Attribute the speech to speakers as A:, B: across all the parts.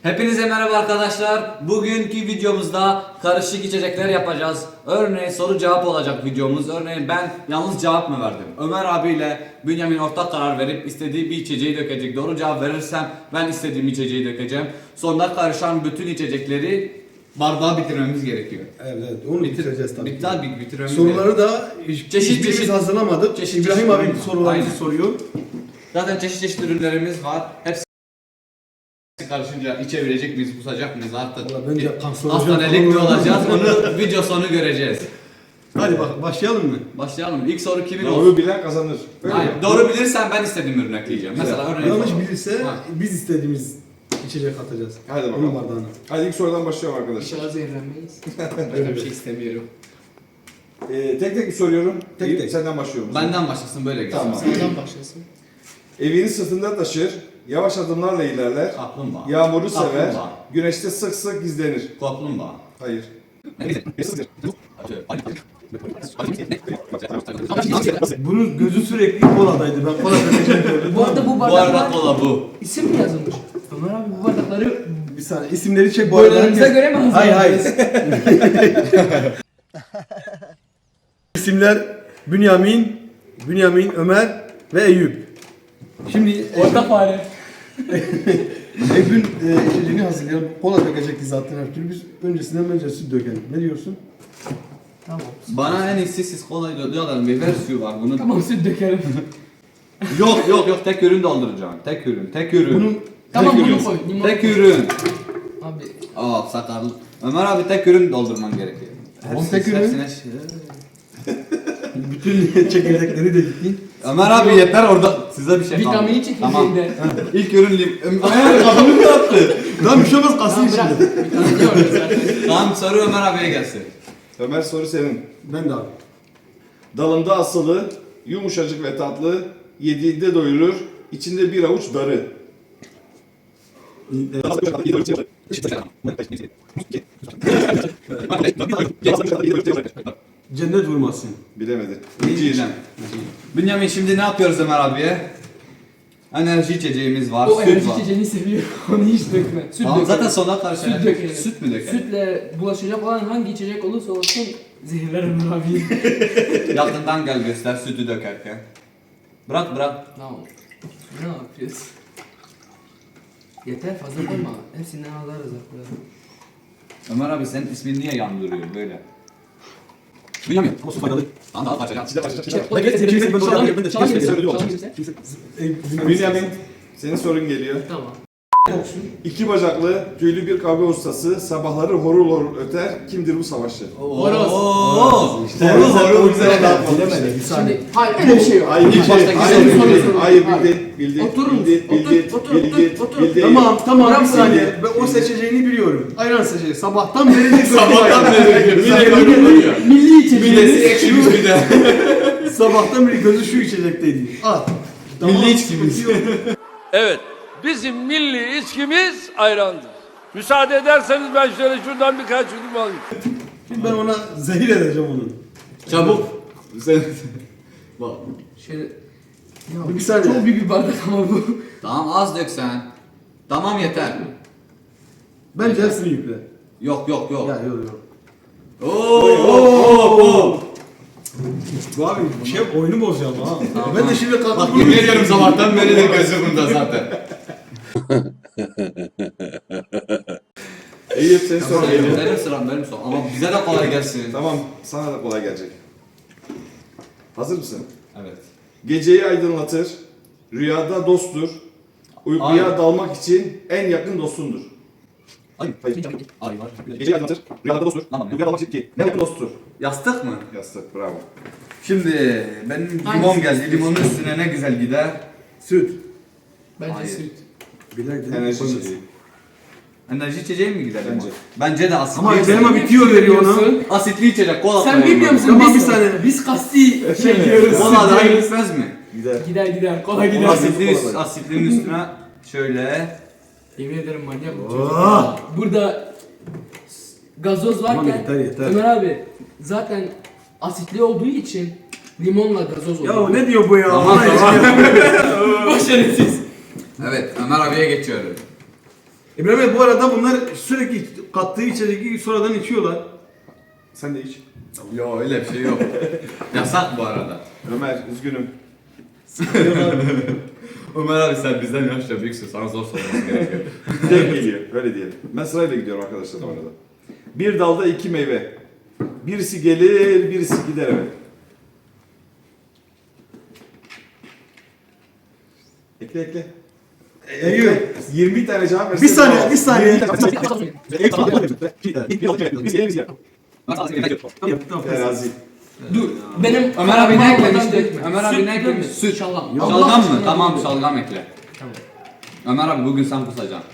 A: Hepinize merhaba arkadaşlar. Bugünkü videomuzda karışık içecekler yapacağız. Örneğin soru cevap olacak videomuz. Örneğin ben yalnız cevap mı verdim? Ömer abiyle Bünyamin ortak karar verip istediği bir içeceği dökecek. Doğru cevap verirsem ben istediğim içeceği dökeceğim. Sonunda karışan bütün içecekleri bardağa bitirmemiz gerekiyor.
B: Evet, onu bitireceğiz tabii.
A: Bitirmemiz
B: Soruları da
A: Çeşit
B: hiçbirimiz hazırlamadık.
A: çeşit
B: İbrahim abi
A: ürün var.
B: sorularını
A: Aynen.
B: soruyor.
A: Zaten çeşit ürünlerimiz var. Hepsi karışınca içebilecek miyiz, kusacak mıyız artık?
B: Valla bence kanserojen
A: Hastanelik mi
B: falan
A: olacağız? Onu video sonu göreceğiz.
B: Hadi bak başlayalım mı?
A: Başlayalım. İlk soru kimin
C: Doğru
A: olsun?
C: bilen kazanır. Öyle
A: Hayır.
C: mi?
A: Doğru bilirsen ben istediğim ürünü ekleyeceğim. Mesela örneğin
B: Yanlış bilirse
A: Ha.
B: biz istediğimiz içecek atacağız.
C: Hadi
B: Onun
C: bakalım.
B: bardağına.
C: Hadi ilk sorudan başlıyorum arkadaşlar.
D: İnşallah zehirlenmeyiz. Öyle bir şey istemiyorum.
C: Tek tek mi soruyorum?
B: Tek
C: İyi,
B: tek.
C: Senden başlıyorum.
A: benden başlasın böyle gelsin.
C: Tamam.
D: Sağdan başlasın.
C: Evini sırtında taşır, yavaş adımlarla ilerler,
A: Kaplumbağa.
C: yağmuru sever,
A: Kaplumbağa.
C: güneşte sık sık gizlenir.
A: Kaplumbağa.
C: Hayır.
B: Bunun gözü sürekli koladaydı. Ben kola dökeceğim gördüm.
D: Bu arada bu
A: Bu arada
D: bardaklar
A: kola bu.
D: isim mi yazılmış? Ömer abi bu bardakları
B: Bir saniye isimleri çek bu arada.
D: boylarımıza göre mi
B: Hayır
D: hazırladınız?
B: hayır. İsimler Bünyamin, Ömer ve Eyüp. Şimdi
D: Orta fare.
B: Eyüp'ün içeceğini hazırlayalım. Kola dökecekti zaten her türlü. Biz öncesinden bence süt dökelim. Ne diyorsun?
D: Tamam.
A: Bana en iyisi siz kolayı diyorlar. Meyve suyu var bunun.
D: Tamam süt dökelim.
A: Yok tek ürün dolduracağım. Tek ürün.
B: Bunun
D: Tamam
A: Tek
D: bunu
A: ürün.
D: koy. Limon
A: Tek
D: koy.
A: ürün.
D: Abi
A: Sakarlık. Ömer abi tek ürün doldurman gerekiyor.
B: tek ürün?
A: hepsine
B: bütün çekirdekleri de gitti.
A: Ömer abi yeter orada size bir şey kalmadı.
D: vitamini çekirdeğinde.
A: Tamam. İlk ürün Ömer abi kafamı yaptı.
B: Lan bir şey olmaz kalsın
D: Tamam bırak.
B: içinde.
D: Vitamini yok zaten.
A: Tamam soru Ömer abiye gelsin.
C: Ömer soru senin.
B: Ben de abi.
C: Dalında asılı, yumuşacık ve tatlı, yediğinde doyurur, içinde bir avuç darı.
B: Cennet vurmasın.
C: Bilemedi.
A: İnciden. Bünyamin şimdi ne yapıyoruz Ömer abiye? Enerji içeceğimiz var,
D: O
A: süt
D: enerji
A: var.
D: içeceğini seviyor. Onu hiç dökme. Süt
A: Tamam,
D: dökelim.
A: zaten sonuna karşı
D: Süt dökelim.
A: Süt mü dökelim?
D: Sütle bulaşacak olan hangi içecek olursa olsun zehirler Ömer abi.
A: Yakından gel göster sütü dökerken. Bırak.
D: Tamam. Ne yapıyoruz? Yeter fazla koyma. Hepsinden alırız artık.
A: Ömer abi senin ismin niye yandırıyor böyle? Bünyamin. Ama su faydalı. Tamam daha parçacağım.
C: Bünyamin, senin sorun geliyor.
D: Tamam.
C: İki bacaklı, tüylü bir kavga ustası, sabahları horul horul öter. Kimdir bu savaşçı?
D: Horoz.
A: Horul güzel.
B: Bilemedi bir saniye.
D: Şimdi hayır öyle bir şey yok.
C: Hayır,
A: İlk baştaki
C: hayır,
A: soru
C: bildi,
D: soru.
C: hayır,
D: Hayır.
C: bildi,
D: Oturur musun?
C: bildi,
D: Otur,
C: bildi,
D: otur.
C: bildi.
B: Tamam
D: Bırak
B: bir saniye.
D: saniye.
B: Ben o seçeceğini biliyorum. Ayran seçeceği. Sabahtan beri
D: Milli içeceğimiz.
A: ekşimiz bir de.
B: Sabahtan beri gözü şu içecekteydi. At.
A: Milli içkimiz.
E: Evet, bizim milli içkimiz ayrandır. Müsaade ederseniz ben şöyle şuradan birkaç yudum alayım.
B: Şimdi ben ona zehir edeceğim onu.
A: Çabuk. Sen... Bak.
D: Şöyle.
B: Bir saniye.
D: Çok büyük bir bardak ama bu.
A: Tamam az dök sen. Tamam yeter.
B: Bence hepsini yükle.
A: Yok.
B: Ya yok.
A: Oo.
B: Bu abi şey oyunu bozacağım ha. Ben de şimdi
A: Bak
B: kalktım.
A: yemin ediyorum sabahtan beri de gözü bunda zaten.
C: Eyüp, senin sorun geliyor.
A: Benim sıram. Ama bize de kolay gelsin.
C: Tamam, sana da kolay gelecek. Hazır mısın?
A: Evet.
C: Geceyi aydınlatır, rüyada dosttur, uykuya
A: Ay.
C: dalmak için en yakın dostundur.
A: Ay.
C: Hayır.
A: Ay var.
C: Geceyi aydınlatır, rüyada dosttur,
A: Tamam.
C: uykuya dalmak için en yakın dosttur.
A: Yastık mı?
C: Yastık, bravo.
A: Şimdi benim limon
D: Hangisi?
A: geldi. Limonun üstüne ne güzel gider.
B: Süt.
D: Bence
A: Hayır.
D: süt.
B: Bilek
C: Enerji içeceği.
A: Enerji içeceği mi gider?
C: Bence.
A: Bence de asitli.
B: Ama elma bitiyor veriyor ona.
A: Asitli içecek. Kola
D: Sen
A: koyalım.
D: bilmiyor musun?
B: Tamam,
D: biz,
B: bir saniye.
D: Biz kasti şey diyoruz.
A: Kola daha gitmez mi?
C: Gider.
D: Gider. Kolay gider.
A: Asitlinin üstüne şöyle.
D: Yemin ederim manyak bu
B: Oh.
D: çocuk. Burada gazoz varken
B: Tamam, yeter.
D: Ömer abi zaten asitli olduğu için limonla gazoz
B: Ya
D: oluyor.
B: ne diyor bu ya?
A: Tamam.
D: Başarısız.
A: Evet Ömer abiye geçiyorum.
B: İbrahim Bey, bu arada bunlar sürekli kattığı içeceği sonradan içiyorlar.
C: Sen de iç.
A: Yo öyle bir şey yok. Yasak bu arada.
C: Ömer üzgünüm.
A: Ömer abi sen bizden yaşça büyüksün. Sana zor sorulması gerekiyor.
C: Denk geliyor. Öyle diyelim. Ben sırayla gidiyorum arkadaşlar bu arada. Bir dalda iki meyve. Birisi gelir, birisi gider eve. Ekle ekle.
B: Eyüp.
C: 20 tane cevap versin.
B: Bir saniye, bir saniye.
C: Terazi.
D: Dur. Benim
A: Ömer abi ne
D: parmağımdan
A: eklemişti?
D: dökme.
A: Ömer abi
D: Süt
A: ne eklemiş?
D: dökme.
A: Süt.
D: Şalgam.
A: Şalgam
D: Allah
A: mı?
D: aşkına
A: Tamam
D: dökme.
A: şalgam ekle.
D: Tamam.
A: Ömer abi bugün sen kusacaksın.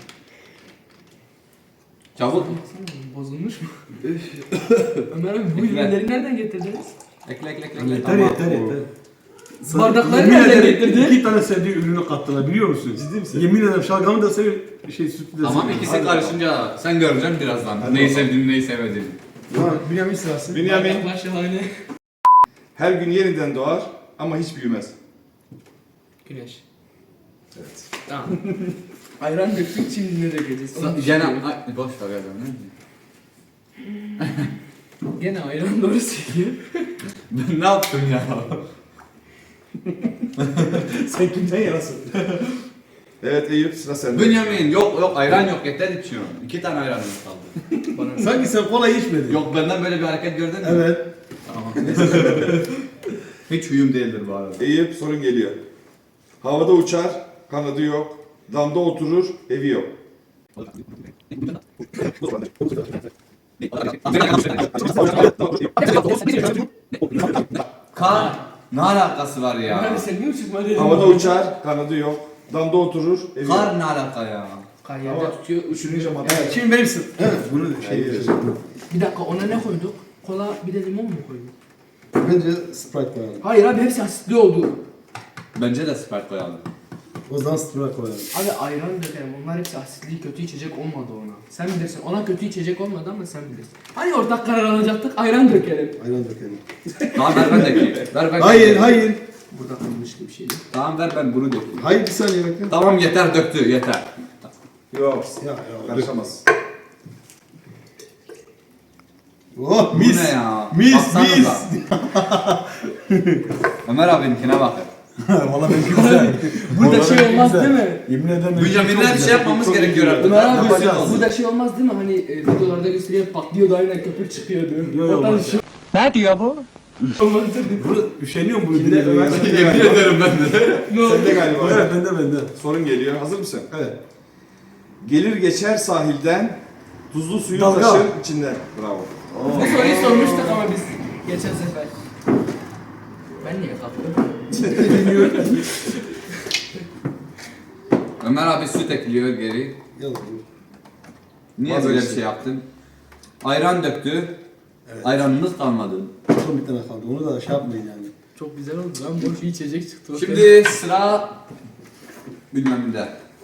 A: Çabuk.
D: Bozulmuş mu? Ömer abi bu ürünleri nereden getirdiniz?
A: Ekle ekle ekle.
B: Yeter yeter yeter.
D: Bardakları
B: Yemin
D: nereden
B: ederim
D: getirdin?
B: 2 tane sevdiği ürünü kattılar, biliyor musun?
C: Ciddi misin?
B: Yemin ederim şalgamı da seviyor, sütü de
A: Tamam
B: seviyor.
A: ikisi karışınca sen göreceksin birazdan. Neyi sevdiğini neyi sevmediğini.
B: Tamam, Bünyamin sırası.
C: Bünyamin
D: Bardaklar şahane.
C: her gün yeniden doğar ama hiç büyümez.
D: Güneş.
C: Evet.
D: Tamam. Ayran döktük, şimdi ne dökeceğiz?
A: Gene ay, boş ver ya ne?
D: Gene ayran doğru söylüyor.
A: Ben ne yaptım ya?
C: Sen kimden yanasın? Evet Eyüp sıra sende.
A: Bünyamin yok ayran yok yeter içiyorum. 2 tane ayranımız kaldı.
B: Sanki sen kola içmedin.
A: Yok benden böyle bir hareket gördün mü?
B: Evet.
A: Tamam. Hiç huyum değildir bu arada.
C: Eyüp sorun geliyor. Havada uçar, kanadı yok. Damda oturur, evi yok.
A: Kar ne alakası var ya?
D: Ömer sen niye uçurtma
C: Havada uçar, kanadı yok. Damda oturur, evi yok.
A: Kar ne alaka ya?
D: Kar yerde
C: Ama
D: tutuyor.
C: Düşününce madde.
B: Evet, şimdi benim sıram. Evet, bunu da
C: Hayır.
D: Bir dakika ona ne koyduk? Kola bir de limon mu koyduk?
B: Bence Sprite koyalım.
D: Hayır abi hepsi asitli oldu.
A: Bence de Sprite koyalım.
B: O zaman Sprite koyalım.
D: Abi ayran dökerim. Onlar hepsi asitli, kötü içecek olmadı ona. Sen bilirsin. Ona kötü içecek olmadı ama sen bilirsin. Hani ortak karar alacaktık, ayran dökelim.
B: Ayran dökelim.
A: Tamam ver ben dökeyim. Ver ben
B: Hayır,
A: dökeyim.
B: hayır.
D: Burada kalmıştı bir şey.
A: Tamam ver ben bunu dökeyim.
B: Hayır, bir saniye bekle.
A: Tamam yeter döktü yeter.
C: Yok.
B: Ya.
C: Karışamaz.
B: Oh,
A: Bu
B: mis.
A: ne ya?
B: Mis,
A: Baksanıza.
B: mis.
A: Ömer abininkine bakın.
B: Valla benimki güzel.
D: Burada şey olmaz değil mi?
B: Yemin ederim.
A: Bünyamin'le bir şey yapmamız gerekiyor artık.
D: Ömer abi
B: Yapacağız.
D: bu da şey olmaz değil mi? Hani videolarda gösteriyor patlıyordu aynen köpük çıkıyordu.
B: Yok,
D: Ondan
B: olmaz.
D: şey
E: Ne diyor bu?
D: olmaz değil mi?
B: Bunu üşeniyorum bunu
C: Şimdi Ömer
B: dinlemeye.
C: sende
A: Yemin
C: galiba.
A: ederim ben de.
C: Sende galiba.
B: Evet, bende.
C: Sorun geliyor. Hazır mısın?
B: Evet.
C: Gelir geçer sahilden, tuzlu suyu
B: Dalga.
C: taşır içinden. Bravo.
D: Bu soruyu sormuştuk ama biz geçen sefer. Ben niye kalktım?
A: Ömer abi süt ekliyor geri.
B: Yalan.
A: Niye
C: Bazı
A: böyle bir
C: işte.
A: şey yaptın? Ayran döktü.
B: Evet.
A: Ayranımız kalmadı.
B: Son bir tane kaldı. Onu da şey yapmayın yani.
D: Çok güzel oldu lan boş bir içecek çıktı.
A: Şimdi sıra Bünyamin'de.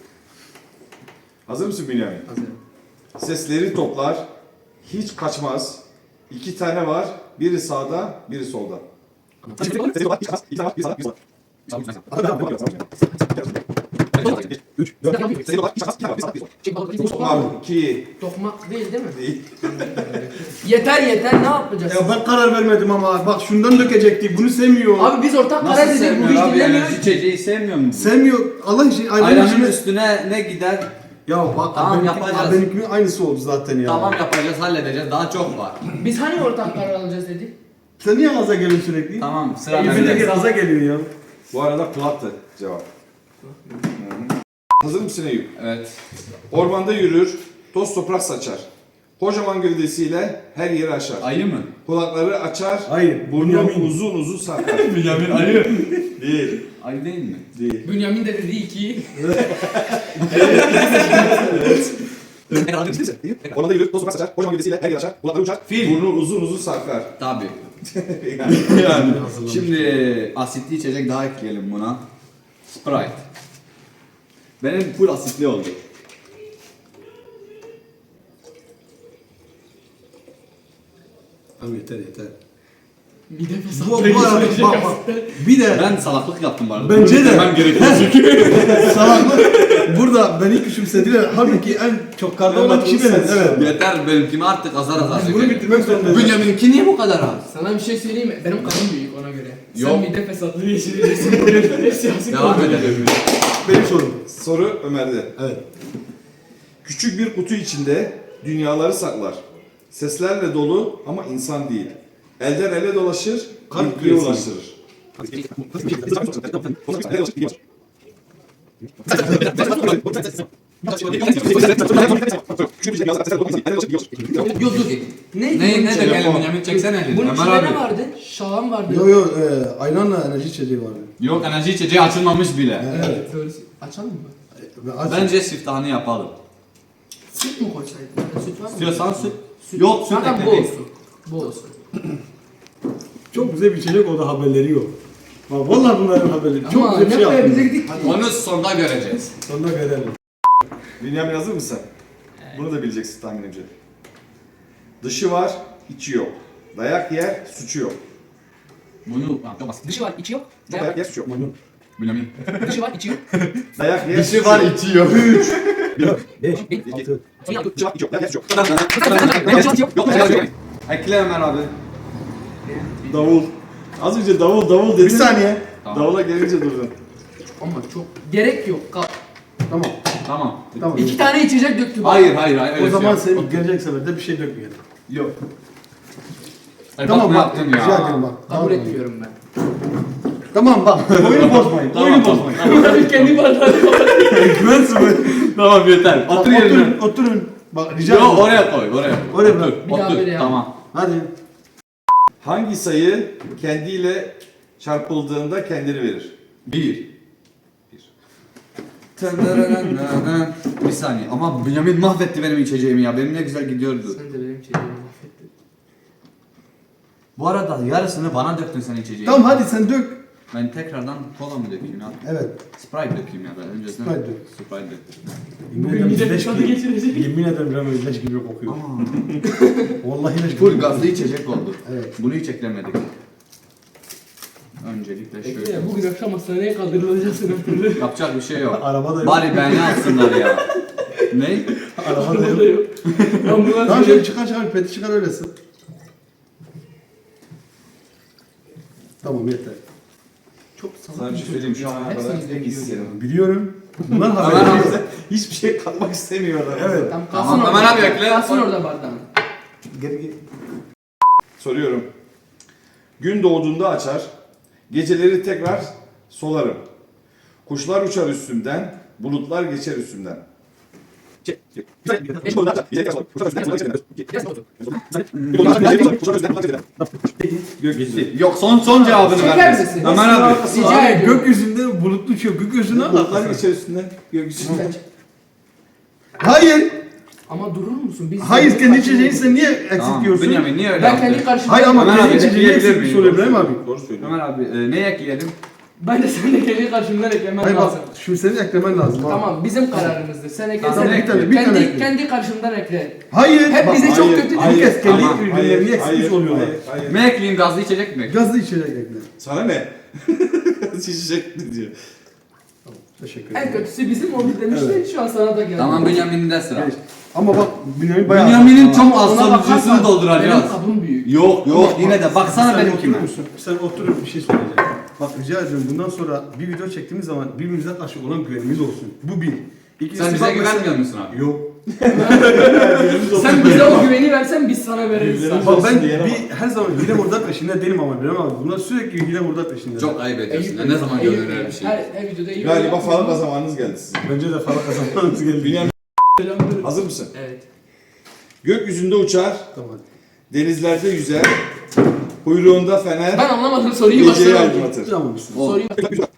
C: Hazır mısın Bünyamin?
D: Hazırım.
C: Sesleri toplar, hiç kaçmaz. 2 tane var, biri sağda, biri solda. Toplar 2
D: Tokmak değil değil mi?
C: değil.
D: Yeter ne yapacağız?
B: Ya ben karar vermedim ama bak şundan dökecektik. Bunu sevmiyor.
D: Abi biz ortak karar
A: Nasıl
D: dedik bu
A: sevmiyor
D: iş
A: abi
D: dinlemiyor.
A: enerji içeceği sevmiyor mu?
B: Sevmiyor. Allah için ayranın
A: Ayranın
B: içine...
A: üstüne ne gider?
B: Ya bak
A: Tamam,
B: benimki-
A: yapacağız.
B: benimkinin aynısı oldu zaten ya.
A: Tamam yapacağız halledeceğiz daha çok var.
D: Biz hani ortak karar alacağız dedik?
B: Sen niye gaza geliyorsun sürekli?
A: Tamam sıra
B: Yüzündeki
A: bende.
B: gaza geliyor ya.
C: Bu arada kulaktı cevap. Hazır mısın Eyüp?
A: Evet.
C: Ormanda yürür, toz toprak saçar. Kocaman gövdesiyle her yeri aşar.
A: Ayı mı?
C: Kulakları açar,
B: Hayır.
C: burnu
B: Bünyamin.
C: uzun uzun sarkar.
A: Bünyamin ayı.
C: Değil,
A: Ayı değil mi?
C: değil.
D: Bünyamin de dedi 2.
C: Ormanda yürür, toz toprak saçar. Kocaman gövdesiyle her yeri aşar. Kulakları uçar, burnu uzun uzun sarkar.
A: Tabii.
C: Yani.
A: Şimdi asitli içecek daha ekleyelim buna. Sprite. Benim full asitli oldu.
B: Tamam yeter.
D: Bir de
B: Bu arada bak. Bir de
A: Ben salaklık yaptım bu arada.
B: Bence de.
A: Demem gerekiyor çünkü.
B: salaklık. Burada beni küçümsediler. Halbuki en çok karda olan kişi benim. Evet.
A: Yeter benimkimi artık azar azar
B: Biz bunu
A: çekelim.
B: bitirmek zorundayız.
A: Bünyamin'inki niye bu kadar az?
D: Sana bir şey söyleyeyim mi? Benim kanım büyük ona göre.
A: Yok.
D: Sen mide fesatlığı geçirirsin. Siyasi
A: Devam
D: konu.
A: edelim.
B: Benim sorum.
C: Soru Ömer'de.
B: Evet.
C: Küçük bir kutu içinde dünyaları saklar. Seslerle dolu ama insan değil. Elden ele dolaşır,
B: Kalp
C: bilgiye
B: küresi.
C: ulaştırır.
D: Yok dur. Ne?
A: Ne demeyelim Bünyamin çeksene elini.
D: Bunun
A: Ömer
D: içinde ne
A: abi.
D: vardı? Şalan vardı.
B: Yo yo ayranla enerji içeceği vardı.
A: Yok enerji içeceği açılmamış bile.
D: Evet. Doğrusu. Açalım mı?
A: Bence siftahını yapalım.
D: Süt mü koysaydın? Süt var mı?
A: İstiyorsan süt. Yok süt
D: Zaten bu
A: ekledik.
D: olsun. Bu olsun.
B: Çok güzel bir içecek, o da haberleri yok. Bak vallahi bunların haberleri. Çok
D: Ama
B: güzel bir
D: ne
B: şey yaptınız.
D: koyabilirdik ki?
A: Onu sonda göreceğiz.
B: Sonunda görelim.
C: Bünyamin hazır mısın? Bunu da bileceksin tahminimce. Dışı var, içi yok. Dayak yer, suçu yok.
A: Bunu çok basit.
D: Dışı var, içi yok.
C: Dayak yer, suçu yok.
A: Bünyamin.
D: Dışı var, içi yok.
C: Dayak yer,
B: Dışı
C: suçu
B: var,
C: yok.
B: içi yok. 3, 4, 5, 6.
C: Dışı var, içi yok. Dayak yer, suçu yok.
A: Ekle Ömer abi.
C: Davul. Az önce davul dedin.
B: Bir saniye.
C: Davula gelince durdun.
D: Ama çok gerek yok.
B: Tamam.
A: Tamam.
B: Tamam.
D: 2 tane içecek döktü. bak.
A: Hayır hayır hayır.
B: O
A: öyle
B: zaman
A: şey yok.
B: sen gelecek seferde bir şey dökmeyelim.
A: Yok.
B: Tamam
A: ne
B: bak.
A: yaptın
B: Rica
A: ya?
B: ederim bak.
D: Kabul etmiyorum ben.
B: Tamam bak. Oyunu bozmayın. Oyunu bozmayın.
D: Kendi bardağını kapat.
B: Güvensin mi?
A: Tamam yeter. Otur yerine.
B: Oturun. Oturun. Bak rica
A: Yok
B: ederim.
A: oraya koy oraya.
B: Oraya bırak.
D: Bir daha
A: Otur.
D: böyle yap.
A: Tamam.
B: Hadi.
C: Hangi sayı kendiyle çarpıldığında kendini verir?
A: 1. Bir saniye ama Bünyamin mahvetti benim içeceğimi ya. Benim ne güzel gidiyordu.
D: Sen de benim içeceğimi mahvettin.
A: Bu arada yarısını bana döktün sen içeceği.
B: Tamam hadi sen dök.
A: Ben tekrardan kola mı dökeyim ya?
B: Evet.
A: Sprite dökeyim ya ben öncesinde.
B: Sprite dök.
A: Sprite dök.
B: Yemin ederim
D: mide
B: leş
D: fesatı
B: gibi.
D: geçirecek.
B: Yemin ederim Rami leş gibi kokuyor. Vallahi leş gibi.
A: Full gazlı içecek oldu.
B: Evet.
A: Bunu hiç eklemedik. Öncelikle şöyle.
D: Bekle ya, bugün akşam hastaneye kaldırılacaksın öpürü.
A: Yapacak bir şey yok.
B: Araba da yok.
A: Bari beni alsınlar ya. Ne?
B: Araba da
D: Arabada
B: yok.
D: yok. Ambulans
B: Tamam
D: geliyor.
B: şöyle çıkar peti çıkar öylesin. Tamam yeter.
D: Çok
C: Sana
D: salak
C: bir şey söyleyeyim. Şu ana kadar
D: Hepsini
C: tek
D: biliyorum.
C: isterim.
B: Biliyorum. Bunlar
A: Ömer
B: haberleri
A: abi.
B: yok.
C: Hiçbir şey katmak istemiyorlar.
B: Evet.
D: Tamam,
A: Tamam,
D: kalsın
A: Ömer
D: orada.
A: abi ekle.
D: Kalsın orada bardağın.
B: Geri.
C: Soruyorum. Gün doğduğunda açar, geceleri tekrar solarım. Kuşlar uçar üstümden, bulutlar geçer üstümden. Gökyüzü.
A: Yok son cevabını
D: Çeker
A: ver.
D: misin?
A: Ömer abi.
D: Rica ediyorum.
B: Gökyüzünde bulutlu uçuyor. Gökyüzüne
C: Bulutlar geçer üstünden, gökyüzü.
B: Hayır.
D: Ama durur musun? Biz
B: Hayır kendi içeceğini sen niye eksik
A: Tamam.
B: diyorsun?
A: Bünyamin niye öyle
D: Ben
A: yaptın?
D: kendi karşımda...
B: Hayır ama
A: Ömer
B: kendi
A: abi,
B: içeceğini
A: ekleyebilir
B: eksik
A: miyim?
B: soruyor İbrahim abi.
C: Doğru söylüyor.
A: Ömer abi ne ekleyelim?
D: Ben de sen de kendi karşımdan eklemen
B: Hayır bak
D: lazım.
B: şimdi senin eklemen lazım. ha.
D: Tamam bizim kararımızdır. Sen ekle.
A: Tamam,
D: sen
A: bir tane,
D: ekle.
B: bir tane ekle.
D: Kendi karşımdan ekle.
B: Hayır.
D: Hep
B: bak,
D: bize çok
C: Hayır,
D: kötü değil.
C: hayır,
B: Herkes kendi
A: Tamam,
B: ürünlerini eksikmiş oluyorlar.
C: Hayır.
A: Ne ekleyeyim gazlı içecek mi?
B: Gazlı içecek ekle.
C: Sana ne? Şişecek diyor.
B: Teşekkür
D: En
B: ederim.
D: kötüsü bizim oldu demişler. Şu an sana da geldi.
A: Tamam Bünyamin'de sıra.
B: Evet. Ama bak Bünyamin bayağı...
A: Bünyamin'in
B: Tamam.
A: çok
D: Ona bakarsan
A: aslanıcısını dolduracağız.
D: Benim kabım büyük.
A: Yok yok yine de baksana
B: Sen
A: benimkine.
B: oturur musun? Sen oturup bir şey söyleyeceğim. Bak rica ediyorum bundan sonra bir video çektiğimiz zaman birbirimize karşı olan güvenimiz olsun. Bu bir. İkincisi
A: Sen bize
B: bak mesela-
A: güvenmiyor musun abi?
B: Yok.
D: Sen bize o güveni versen biz sana veririz.
C: Birbirlerimize-
B: Bak ben
C: Olsun diyelim
B: bir her zaman hile murda peşinde değilim ama Bilal abi. Bunlar sürekli hile murda peşinde.
A: Çok ayıp ediyorsun. ya. Ne zaman görülür öyle bir şey?
D: Her videoda iyi.
C: Galiba falan zamanınız geldi sizin.
B: Bence de falan kazanmanız geldi.
C: Bünyamin hazır mısın?
D: Evet.
C: Gökyüzünde uçar,
B: Tamam.
C: denizlerde yüzer, kuyruğunda fener,
D: Ben anlamadım soruyu
C: geceyi
D: baştan
C: aydınlatır.
B: Tamam mısın?
A: O.
D: Soruyu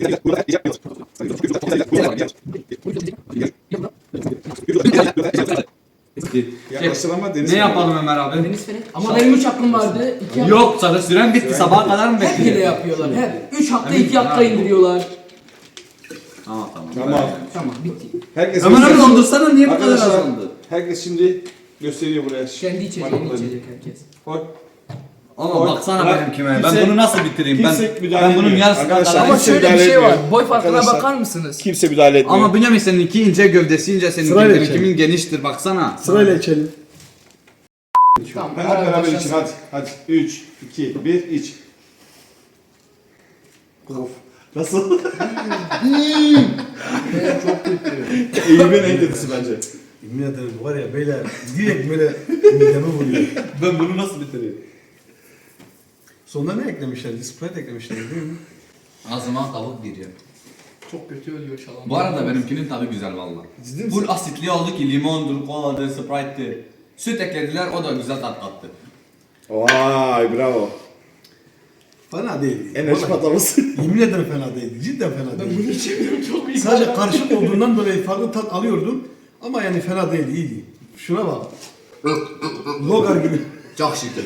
C: Yaklaştın ama deniz
A: Ne yapalım Ömer abi?
D: Deniz Fener. Ama benim 3 hakkım vardı. 2 hakkım.
A: Yok sana süren bitti sabaha kadar mı
D: Hep hile
A: bekleyeceğiz?
D: yapıyorlar. Hep. 3 hakta
A: Emin
D: 2 hakta
A: misin abi?
D: indiriyorlar.
A: Tamam tamam.
C: Tamam.
D: Tamam bitti.
C: Herkes
A: Ömer abi
C: gösteriyor.
A: dondursana niye bu kadar
C: Arkadaşlar,
A: azaldı?
C: herkes şimdi gösteriyor buraya.
D: Kendi içeceğini
C: Parmaklarını.
D: içecek herkes.
C: Koy.
A: Ama
C: Oy,
A: baksana
C: bırak.
A: benimkime.
C: Kimse-
A: Ben bunu nasıl bitireyim?
C: kimse müdahale
A: Ben bunun
C: etmiyor.
A: yarısına
C: Arkadaşlar,
A: kadar...
D: Ama
C: kimse
D: şöyle bir
C: müdahale
D: şey var.
C: etmiyor.
D: Boy farkına
C: Arkadaşlar,
D: bakar mısınız?
C: Kimse müdahale etmiyor.
A: Ama Bünyamin seninki ince, gövdesi ince,
B: Sırayla
A: seninki
B: içelim.
A: kimin geniştir baksana.
B: Sırayla içelim.
D: Tamam.
C: Hemen beraber için hadi. Hadi. 3, 2, 1 iç. Of. Nasıl?
D: Evet, çok kötü.
C: Eğimin en kötüsü bence.
B: Yemin ederim var ya beyler direkt böyle mideme vuruyor.
A: Ben bunu nasıl bitireyim?
B: Sonunda ne eklemişlerdi? Sprite eklemişlerdi değil mi?
A: Ağzıma tavuk giriyor.
D: Çok kötü ölüyor şalan.
A: Bu arada benimkinin tadı güzel valla.
B: Ciddi misin?
A: Full asitli oldu ki limondur, koladır, sprite'tir. Süt eklediler o da güzel tat kattı.
C: Vay bravo.
B: Fena değildi.
C: Enerji
B: Vallahi
C: patlaması.
B: Yemin ederim fena değildi. Cidden fena
D: Ben
B: değildi.
D: bunu içemiyorum çok iyi.
B: Sadece karışık olduğundan dolayı farklı tat alıyordum. Ama yani fena değildi, iyiydi. Şuna bak. Logar gibi.
A: Çok şükür.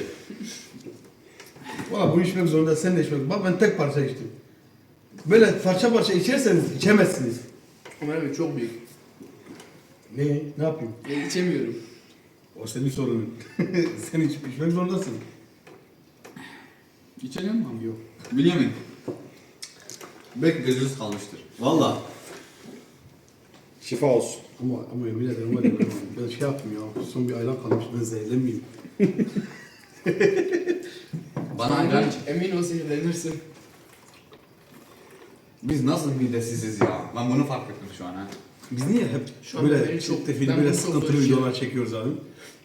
B: Valla bunu içmek zorunda, sen de içmek. Bak ben tek parça içtim. Böyle parça parça içerseniz içemezsiniz.
D: Ömer abi çok büyük.
B: Ne yapayım?
D: İçemiyorum.
B: O senin sorunun. Sen içmek zorundasın.
A: İçeceğim mi?
B: Yok.
A: Bünyamin. Belki gözünüz kalmıştır. Valla.
C: Şifa olsun.
B: Ama yemin ederim var ya ben şey yaptım ya. Son bir ayran kalmış, ben zehirlenmeyeyim.
A: Bana
D: Aynen.
A: ayran
D: Emin ol zehirlenirsin.
A: Biz nasıl midesiziz ya? Ben bunu fark ettim şu an ha.
B: Biz niye hep
D: Şu an
B: böyle
D: beni çok-
B: çok tefili
D: ben
B: böyle
D: bunu çok
B: sıkıntılı
D: barışıyorum.
B: videolar çekiyoruz abi?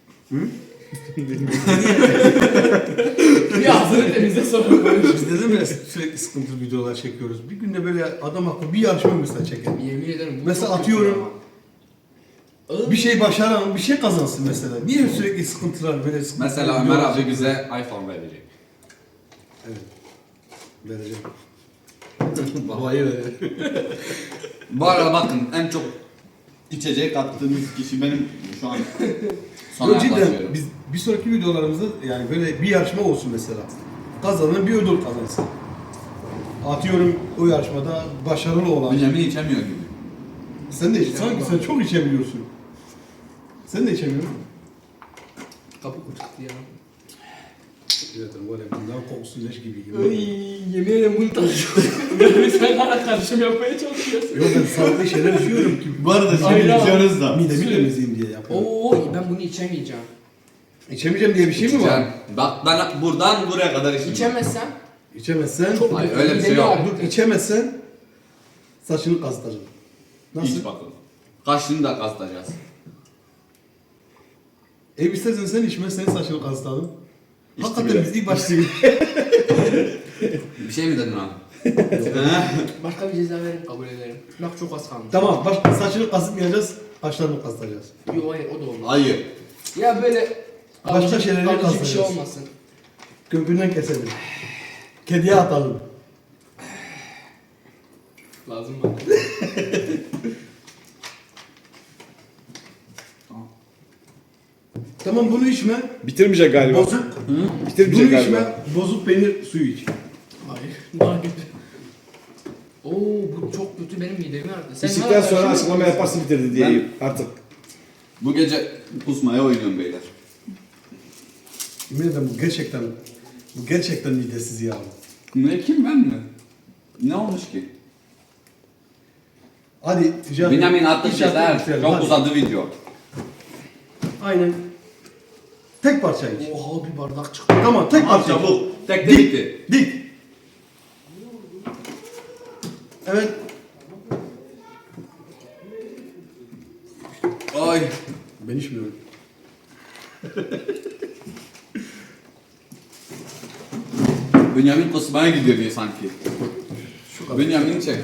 D: Bir ağzını temizle sonra konuş.
B: Biz neden böyle sürekli sıkıntılı videolar çekiyoruz? Bir günde böyle adam akıllı bir yarışma mesela çekelim.
D: Yemin ederim bu
B: Mesela
D: çok
B: atıyorum,
D: kötü ya.
B: Bir şey başaran, bir şey kazansın mesela. Niye sürekli sıkıntılar böyle sıkıntılı
A: Mesela Ömer
B: videolar
A: abi
B: çekiyoruz?
A: bize iPhone verecek.
B: Evet. Vereceğim. Babayı verir.
A: Bu arada bakın en çok içecek kattığımız kişi benim şu an sona
B: Yok, cidden
A: yaklaşıyorum.
B: biz bir sonraki videolarımızda yani böyle bir yarışma olsun mesela. Kazanan bir ödül kazansın. Atıyorum o yarışmada başarılı olan.
A: Bünyamin içemiyor gibi.
B: Sen de sanki sen çok içebiliyorsun. Sen de içemiyorsun.
D: Kapı kurtardı ya.
B: Zaten var ya bundan kokusu leş gibi.
D: Ay yemin ederim bunu tanışıyorum. Sen bana karışım yapmaya çalışıyorsun.
B: Yok ben sağlıklı şeyler içiyorum ki.
A: Bu arada
D: şimdi içiyoruz
A: da.
B: Midemi temizleyeyim diye yapıyorum.
D: Oo ben bunu içemeyeceğim.
B: İçemeyeceğim diye bir şey mi var?
A: Bak ben buradan buraya kadar içtim.
D: İçemezsem
B: İçemezsen,
D: çok
A: Hayır,
D: kötü.
A: öyle bir şey
D: Midemi
A: yok.
D: ağrıtır.
B: dur içemezsen saçını kazıtacağım. Nasıl?
A: İç bakalım. Kaşını da kastacağız.
B: İstersen sen içme, senin saçını kazıtalım.
C: İçti
B: Hakikaten
C: bile.
B: biz ilk başta
A: Bir şey mi dedin abi?
D: Başka bir ceza verin kabul ederim. Bak çok az kalmış.
B: Tamam, saçını kazıtmayacağız, kaşlarını kazıtacağız.
D: Yok hayır o da olmaz.
A: Hayır.
D: Ya böyle
B: Başka
D: kalıcı-
B: şeyleri
D: kalıcı bir şey
B: kastıracağız.
D: olmasın.
B: Kökünden keselim. Kediye atalım.
D: Lazım bana.
B: Tamam bunu içme,
C: Bitirmeyecek galiba.
B: bozuk.
C: Bitirmeyecek
B: Bunu
C: galiba.
B: içme, bozuk peynir suyu iç.
D: Hayır. Daha kötü. Oo bu çok kötü benim midemi ağrıdı. Sen
C: İçtikten
D: hala
C: sonra
D: karışım
C: açıklama
D: yapıyorsun.
C: yaparsın bitirdi diye artık.
A: Bu gece kusmaya oynuyorum beyler.
B: Yemin ederim bu gerçekten midesiz ya.
A: Ne kim ben mi? Ne olmuş ki?
B: Hadi ticaret.
A: Bünyamin attı
B: İnşaat
A: şeyler.
B: bitirelim,
A: Çok
B: hadi.
A: uzadı video.
B: Aynen. Tek parça iç.
D: Oha bir bardak çıktı.
B: Tamam tek
A: Tamam
B: parça iç.
A: çabuk. Tek de bitti.
B: Dik. Evet.
A: Ay.
B: Ben içmiyorum.
A: Bünyamin kusmaya gidiyor diye sanki.
B: Şu kadar.
A: Bünyamin'i çek.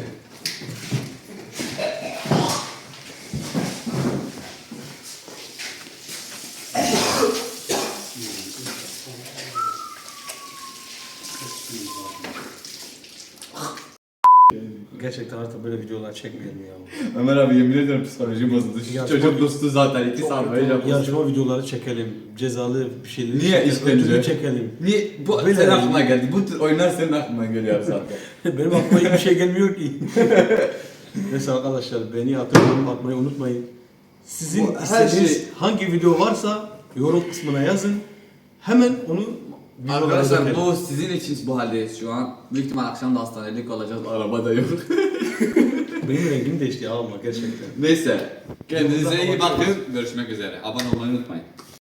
B: Gerçekten artık böyle videolar çekmeyelim ya.
A: Ömer abi yemin ederim psikolojim bozuldu. Şu
B: Ya,
A: çocuk
B: çok-
A: dostu zaten 2 saat boyunca bozdu.
B: Yarışma videoları çekelim. Cezalı bir şeyleri
A: Niye
B: çekelim.
A: işkence?
B: ödülü çekelim.
A: Niye? Bu
B: Böyle
A: senin
B: yani.
A: aklına geldi. Bu tür oyunlar senin aklına geliyor zaten.
B: Benim aklıma hiçbir şey gelmiyor ki. Neyse arkadaşlar beni hatırlayın atmayı unutmayın. Sizin
A: Bu her
B: istediğiniz
A: şey-
B: hangi video varsa yorum kısmına yazın. Hemen onu Biz onlara
A: Arkadaşlar
B: dökelim.
A: bu sizin için bu haldeyiz şu an. Büyük ihtimal akşam da hastanelik olacağız. Araba da yok.
B: Benim rengim değişti ya, alma gerçekten.
A: Neyse. Kendinize iyi bakın. Görüşmek üzere. Abone olmayı unutmayın.